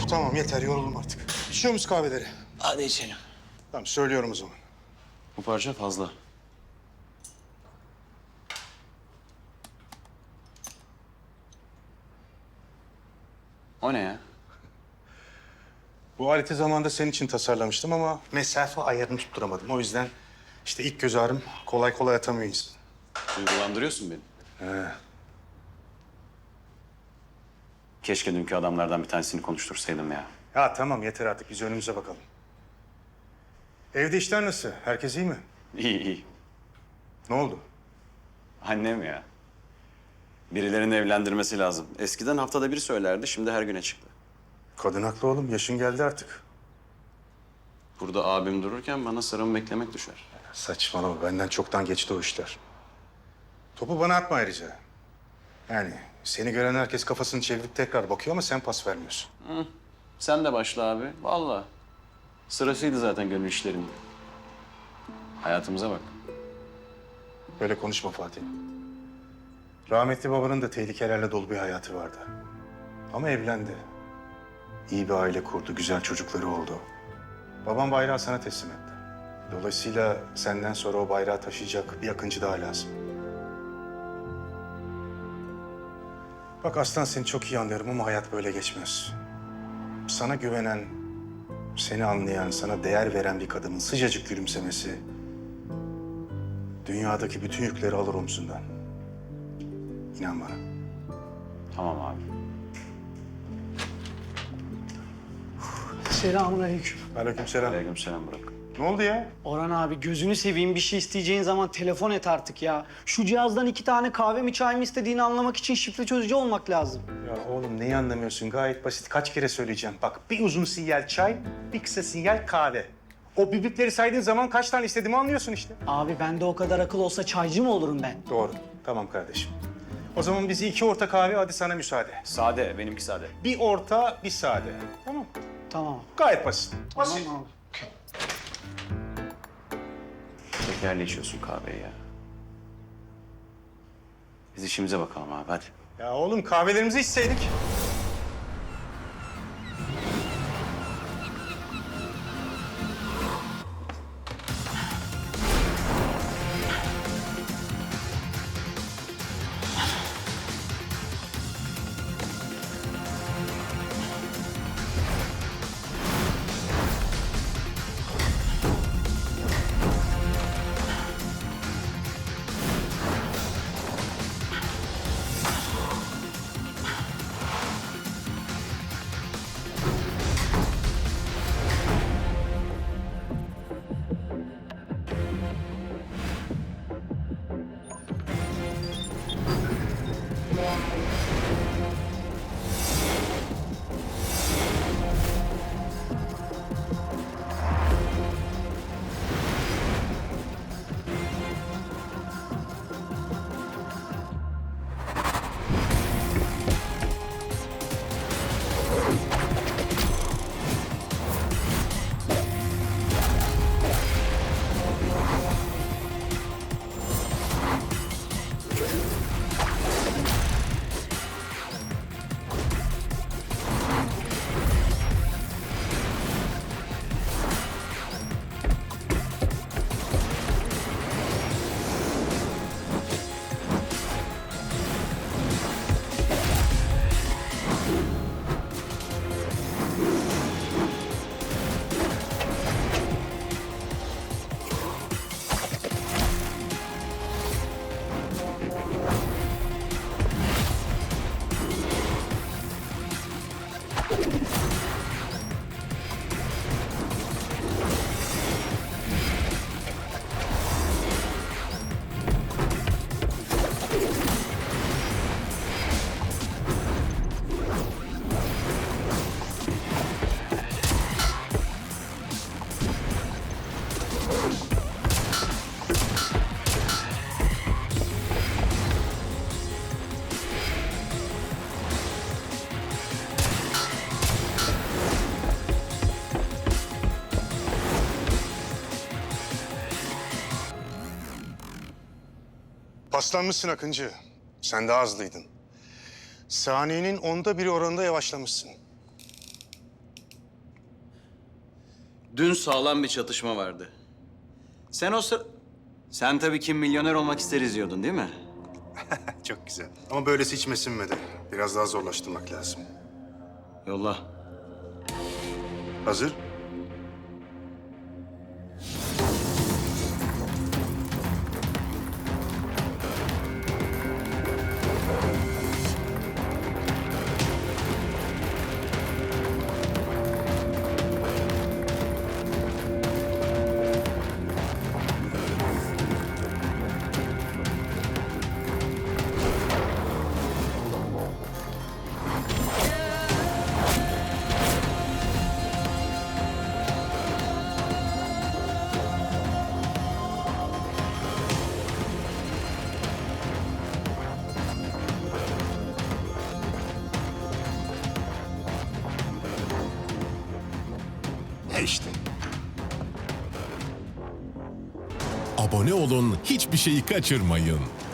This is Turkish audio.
Tamam yeter yoruldum artık. İçiyor musun kahveleri? Hadi içelim. Tamam söylüyorum o zaman. Bu parça fazla. O ne ya? Bu aleti zamanında senin için tasarlamıştım ama mesafe ayarını tutturamadım. O yüzden işte ilk göz ağrım kolay kolay atamıyor insan. Duygulandırıyorsun beni. He. Keşke dünkü adamlardan bir tanesini konuştursaydım ya. Ya tamam yeter artık biz önümüze bakalım. Evde işler nasıl? Herkes iyi mi? İyi iyi. Ne oldu? Annem ya. Birilerinin evlendirmesi lazım. Eskiden haftada bir söylerdi, şimdi her güne çıktı. Kadın haklı oğlum. Yaşın geldi artık. Burada abim dururken bana sıramı beklemek düşer. Saçmalama. Benden çoktan geçti o işler. Topu bana atma ayrıca. Yani seni gören herkes kafasını çevirip tekrar bakıyor ama sen pas vermiyorsun. Sen de başla abi. Vallahi. Sırasıydı zaten gönül işlerinde. Hayatımıza bak. Böyle konuşma Fatih. Rahmetli babanın da tehlikelerle dolu bir hayatı vardı. Ama evlendi. İyi bir aile kurdu, güzel çocukları oldu. Babam bayrağı sana teslim etti. Dolayısıyla senden sonra o bayrağı taşıyacak bir Akıncı daha lazım. Bak Aslan seni çok iyi anlıyorum ama hayat böyle geçmez. Sana güvenen, seni anlayan, sana değer veren bir kadının sıcacık gülümsemesi... dünyadaki bütün yükleri alır omzundan. İnan bana. Tamam abi. Selamünaleyküm. Aleykümselam. Aleykümselam Burak. Ne oldu ya? Orhan abi gözünü seveyim bir şey isteyeceğin zaman telefon et artık ya. Şu cihazdan 2 tane kahve mi çay mı istediğini anlamak için şifre çözücü olmak lazım. Ya oğlum neyi anlamıyorsun? Gayet basit. Kaç kere söyleyeceğim. Bak bir uzun sinyal çay, bir kısa sinyal kahve. O bibipleri saydığın zaman kaç tane istediğimi anlıyorsun işte. Abi bende o kadar akıl olsa çaycı mı olurum ben? Doğru. Tamam kardeşim. O zaman bizi 2 orta kahve, hadi sana müsaade. Sade, benimki sade. Bir orta, bir sade. Tamam. Tamam. Gayet basit. Tamam Basit. abi. Şekerli içiyorsun kahveyi ya. Biz işimize bakalım abi, hadi. Ya oğlum kahvelerimizi içseydik. Paslanmışsın Akıncı. Sen daha hızlıydın. Saniyenin 1/10 oranında yavaşlamışsın. Dün sağlam bir çatışma vardı. Sen tabii Kim Milyoner Olmak ister izliyordun değil mi? Çok güzel. Ama böylesi içime sinmedi. Biraz daha zorlaştırmak lazım. Yolla. Hazır? İşte. Abone olun, hiçbir şeyi kaçırmayın.